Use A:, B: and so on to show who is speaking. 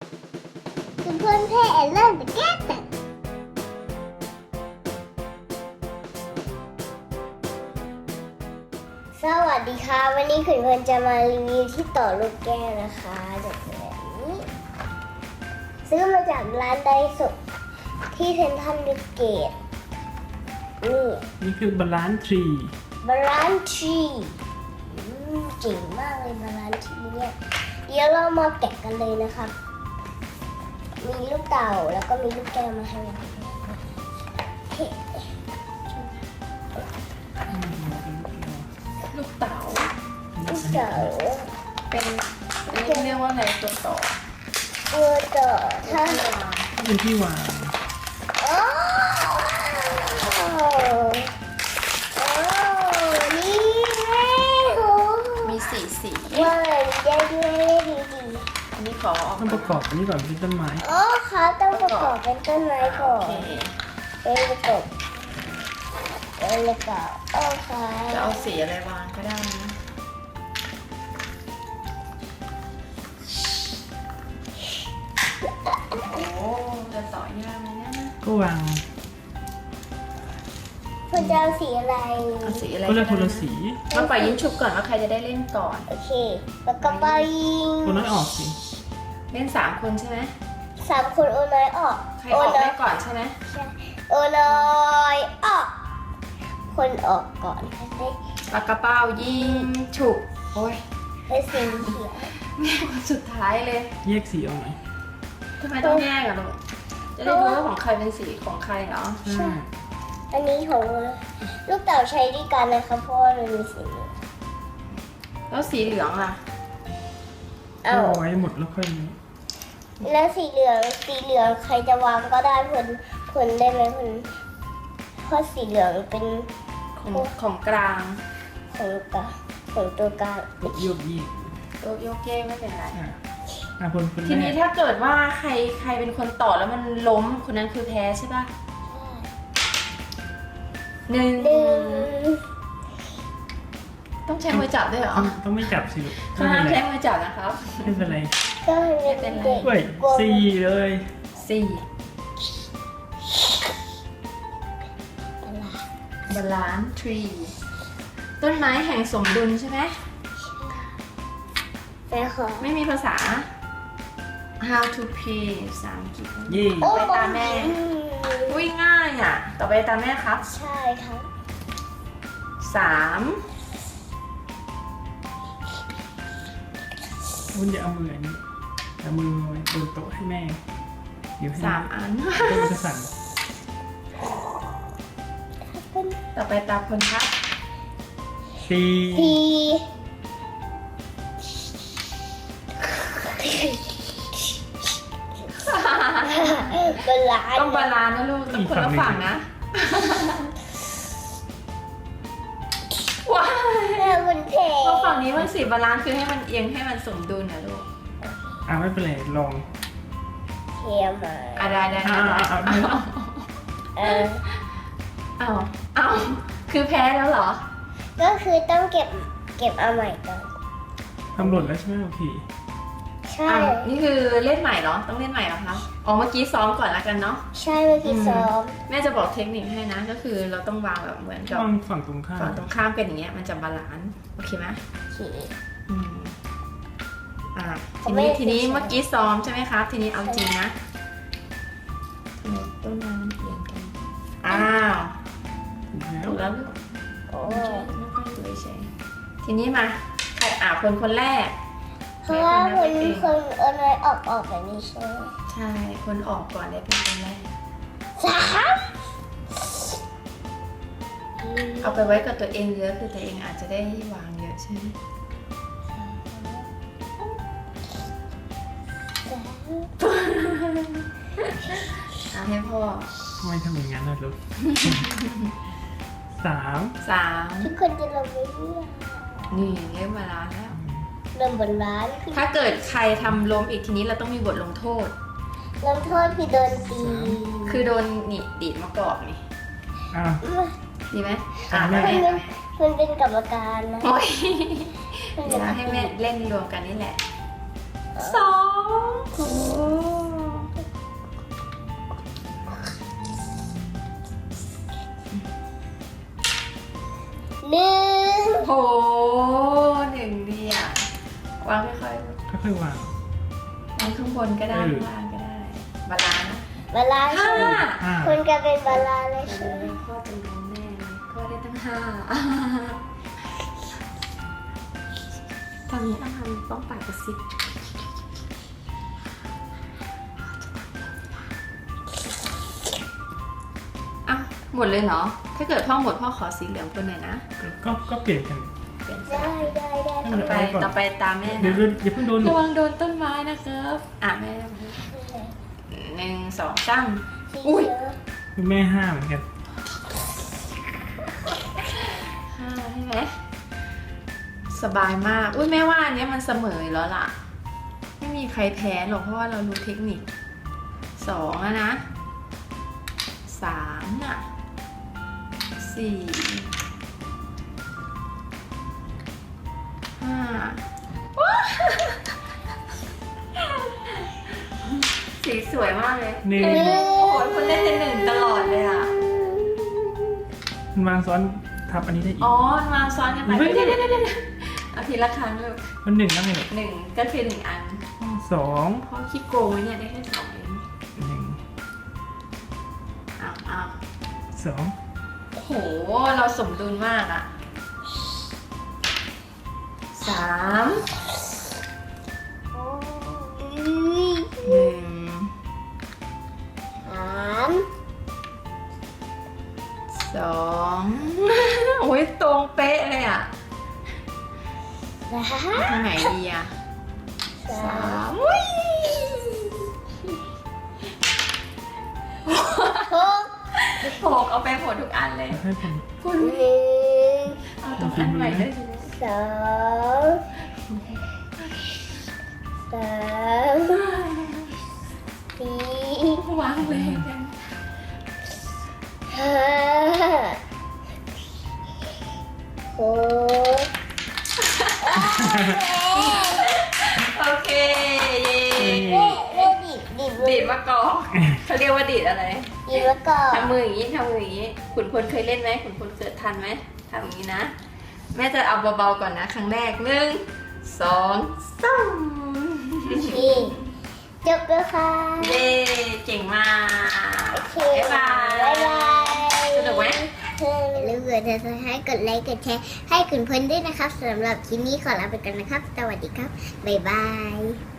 A: คุณเพื่อนเพ่เริ่มจะแก้แต่สวัสดีค่ะวันนี้คุณเพื่อนจะมารีวิวที่ต่อลูกแก้วนะคะแบบนี้ซื้อมาจากร้านไดโซะที่เซ็นทรัลยูเกต
B: นี่คือบาลานซ์ทรี
A: บาลานซ์ทรีเก่งมากเลยบาลานซ์ทรีเนี่ยเดี๋ยวเรามาแกะกันเลยนะครับมีลูกเต่าแล้วก็มีลูกแก้วมาให้
C: ลูกเต๋า
A: ลูกเต่า
C: เป็นเรียกว่าอะไรตัวต่อ
A: ตัวต่อถ้า
B: เป็นที่วาง
A: โอ้นี่แม่โห
C: มีสี
A: ว่าได้ด้วยดี
C: อันนี้ขอออก
B: ต้องประกอบอันนี้ก่อนเป็นต้นไม้
A: อ๋อเขาต้องประกอบเป็นต้นไม้ก่อ
C: โอน เค
A: เป็นประกอบเป็นประกอบโอเค
C: จะเอาสีอะไรวางก็ได้นะโอ้จะต่อยากเลยนะ
B: ก็วาง
A: คุณจะเอาสีอะไร
C: เอาสีอะไร
B: ก็เลือกคนละสี
C: มาปล่อยยิ้มฉุบก่อนว่าใครจะได้เล่นก่อน
A: โอเคแล้วก็ไปยิง
B: คนนั้นออกสิ
C: เล่น3 คนใช่ไหม
A: 3 คนโอน้อยออก
C: ใครออกได้ก่อนใช่ไหม
A: โอน้อยออกคนออกก่อนได้
C: ปากกระเป๋ายิงฉุบโอ้ย
A: ได้สีเขียว
C: แม่คนสุดท้ายเลย
B: แยกสีออกไหม
C: ทำไมต้องแยกอะลูกจะได้รู้ว่าของใครเป็นสีของใครเนาะ
B: ใช่
A: อันนี้ของลูกเต่าใช้ด้วยกันนะคะเพราะว่ามันมีสีเหลือง
C: แล้วสีเหลืองล่ะ
A: เอา
B: เอาไว้หมดแล้วค่อยนี้
A: แล้วสีเหลืองใครจะวางก็ได้ผลได้ไหมผลเพราะสีเหลืองเป็น
C: ของกลาง
A: ของตัวกลาง
B: กดโยกยีก
C: โยกเยกไม่เป็นไร
B: คน
C: ที
B: แร
C: นี้
B: ก
C: ถ้าเกิดว่าใครเป็นคนต่อแล้วมันล้มคนนั้นคือแพ้ใช่ป่ะหนึ่ง
A: ดึง
C: ต้องใช้มือจับด้วยเหรอ
B: ต้องไม่จับสิลูก
C: เขาห้ามใช้มือจับนะครับ
B: ไม่เป็นไร
A: ก็ให้เป็นเด็ก
B: เฮ้ย
A: กลัว
B: สี่เลย
C: สี่บาลานซ์ทรีต้นไม้แห่งสมดุลใช่ไหม
A: แม่ขอ
C: ไม่มีภาษา how to play ภาษาอังกฤษ
B: เย่
C: ต่อไปตามแม่ อุ้ยง่ายอ่ะ ต่อไปตามแม่ครับ
A: ใช่ครับ
C: 3
B: วุ้นอย่าเอามืออันนี้เอามือไว้บนโต๊ะให้แม่ เดี๋ยวให้
C: 3 อัน
B: โต๊ะจะสั่น
C: ต่อไปตามคนครับ
B: สี่
A: สีบาลาน
C: ต้องบาลานซ์นะลูกต้องคนละฝั่งนะ ว้าว
A: แม่บุญเพ
C: เพราะฝั่งนี้มันสีบาลานซ์คือให้มันเอียงให้มันสมดุลนะลูก
B: ไม่เป็นไรลอง
A: เทียมมา
C: อ่ะได้ได้ได้
A: เออ
C: เอาคือแพ้แล้วเหรอ
A: ก็คือต้องเก็บเอาใหม่ก่อน
B: ทำหล่นแล้วใช่ไหมโอเค
A: ใช่
C: นี่คือเล่นใหม่เหรอ ต้องเล่นใหม่เหรอคะอ๋อเมื่อกี้ซ้อมก่อนแล้วกันเนาะ
A: ใช่เมื่อกี้ซ้อม
C: แม่จะบอกเทคนิคให้นะ ก็คือเราต้องวางแบบเหมือนกับ
B: วางฝั่งตรงข้าม
C: ฝั่งตรงข้ามเป็นอย่างเงี้ย มันจะบาลานซ์โอเคไหม
A: ขี่
C: อืมอ่า
A: ผม
C: ที
A: ไม่
C: นี้
A: ได้
C: ทีนี้
A: ใช้
C: เมื่อกี้ซ้อมใช่ไหมครับ ทีนี้เอาจริงนะทำไมต้นไม้มันเอียงกันอ้าว
B: ถูกแล้ว
C: ถูกแล้วลูก
A: โอ้
C: ไม่ค่อยสวยเฉยทีนี้มาใครคนแรก
A: เพราะว่าคนเอาน้อยออกแบบนี้ใช่ไหม
C: ใช่ คนออกก่อนเลยเป็นคนแรก
A: 3
C: เอาไปไว้กับตัวเองเยอะคือตัวเองอาจจะได้วางเยอะใช่ไหมเอาให้พ่อ
B: ทำไมทำอย่างนั้นล่ะลูก 3
C: 3
A: ทุกคนจะลงไปเรื่อย
C: นี่เรียกเวลาแล้ว
A: เริ่มบนร้านคือ
C: ถ้าเกิดใครทำล้มอีกทีนี้เราต้องมีบทลงโทษ
A: ลงโทษคือโดนตี
C: คือโดนนี่ดีดมากรอบนี่
B: อ้าว
C: ดีไหม
B: แม่
A: มันเป็นกรรมการนะ
C: โอ้ย
A: มัน
C: เดี๋
A: เป็
C: ยวน ให้แม่เล่นรวมกันนี่แหละ 2
A: โอ้
C: วางค่อย
B: ค่อยๆวาง
C: ๆวางข้างบนก็ได้ข้างล่างก็ได้บาลานซ์นะ
A: บาลานซ์
C: ห้า
A: คุณจะเป็นบาลานซ์เลย
C: เอ
A: ใช่ไหม
C: อข้อเป็นของแม่เลยข้อได้ตั้ง5ตอนนี้ต้องทำต้องปากกระซิบอ่ะหมดเลยเหรอ ถ้าเกิดพ่อหมดพ่อขอสีเหลืองคนหน่อยนะ
B: ก็เปลี่ยนกัน
C: เปลี่ยนสี
A: ได้ได้ได้
C: ต่อไปตามแม่
B: เดี๋ยว
C: นะ
B: อย่าเพิ่งโดนหนู
C: ระวังโดนต้นไม้นะครับอ่ะแม่1 2 3 อุ้ย
B: แม่5เหมือนกัน
C: 5ใช่ไหมสบายมาก อุ้ยแม่ว่าอันเนี้ยมันเสมออยู่แล้วล่ะ ไม่มีใครแพ้หรอกเพราะว่าเรารู้เทคนิค2แล้วนะ3น่ะ4 5สีสวยมากเลย
B: หนึ่ง
C: โอ้ยคุณได้ที่1ตลอดเลยอ่ะ
B: มันวางซ้อนทับอันนี้ได้อีก
C: อ๋อมาซ้อนกันไปเดี๋ยวเอาทีละครั้งเลย
B: มัน1แล้วไงลูก
C: 1ก็คือ1อัน
B: 2
C: เพราะคิดโกงไว้เนี่ยได้แค่2เอง
B: 1
C: อ้าว
B: 2
C: โอ้โห เราสมดุลมากอ่ะ3 1 2 โอ้ยตรงเป๊ะเลยอ่ะทางไหนดีอ่ะ3อุ้ย 6เอาไปหมดทุกอันเลย
B: ให้ผม
C: คุณเอาตรงอันใหม่ด้วยสิ วางเลยกัน โอเคเย้ดีดมะกอกเขาเรียกว่าดีดอะไรทำมืออย่างนี้ทำมืออย่างนี้ขุนพลเคยเล่นไหมขุนพลเกิดทันไหมทำอย่างนี้นะ แม่จะเอาเบาๆก่อนนะ ครั้งแรก1 2 3
A: จบแล้วค่ะ
C: เย้เก่งมาก
A: โอเค
C: บ๊ายบาย
A: บ๊ายบาย
C: สนุกไหม
A: อย่าลืมกดติดตามให้กดไลค์กดแชร์ให้คุณเพื่อนด้วยนะครับสำหรับคลิปนี้ขอลาไปก่อนนะครับ สวัสดีครับ บ๊ายบาย